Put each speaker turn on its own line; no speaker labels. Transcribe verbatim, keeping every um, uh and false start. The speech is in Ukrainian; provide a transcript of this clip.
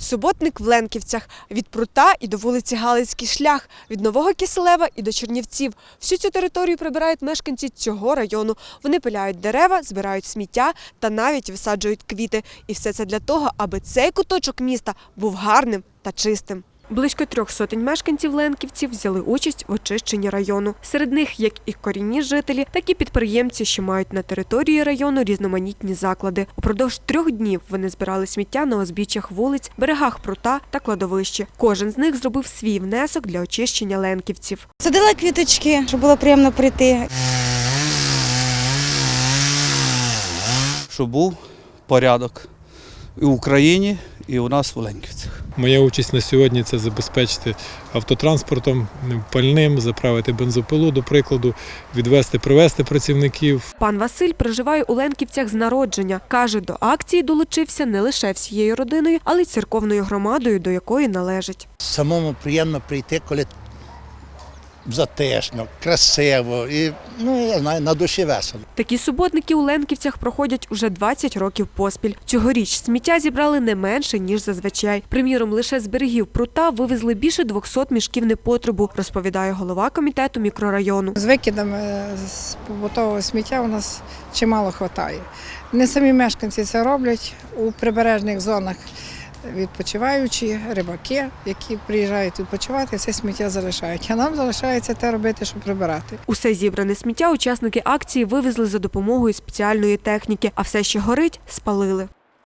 Суботник в Ленківцях. Від Прута і до вулиці Галицький шлях, від Нового Киселева і до Чернівців. Всю цю територію прибирають мешканці цього району. Вони пиляють дерева, збирають сміття та навіть висаджують квіти. І все це для того, аби цей куточок міста був гарним та чистим. Близько трьох сотень мешканців Ленківців взяли участь в очищенні району. Серед них як і корінні жителі, так і підприємці, що мають на території району різноманітні заклади. Упродовж трьох днів вони збирали сміття на узбіччях вулиць, берегах Прута та кладовищі. Кожен з них зробив свій внесок для очищення ленківців.
Садила квіточки, щоб було приємно прийти.
Щоб був порядок і в Україні, і у нас в Ленківцях.
Моя участь на сьогодні – це забезпечити автотранспортом, пальним, заправити бензопилу, до прикладу, відвезти, привезти працівників.
Пан Василь проживає у Ленківцях з народження. Каже, до акції долучився не лише всією родиною, але й церковною громадою, до якої належить.
Самому приємно прийти, коли затишно, красиво і, ну, я знаю, на душі весело.
Такі суботники у Ленківцях проходять уже двадцять років поспіль. Цьогоріч сміття зібрали не менше, ніж зазвичай. Приміром, лише з берегів Прута вивезли більше двохсот мішків непотребу, розповідає голова комітету мікрорайону.
З викидами з побутового сміття у нас чимало вистачає. Не самі мешканці це роблять у прибережних зонах. Відпочиваючі, рибаки, які приїжджають відпочивати, це сміття залишають. А нам залишається те робити, щоб прибирати.
Усе зібране сміття учасники акції вивезли за допомогою спеціальної техніки, а все, що горить, спалили.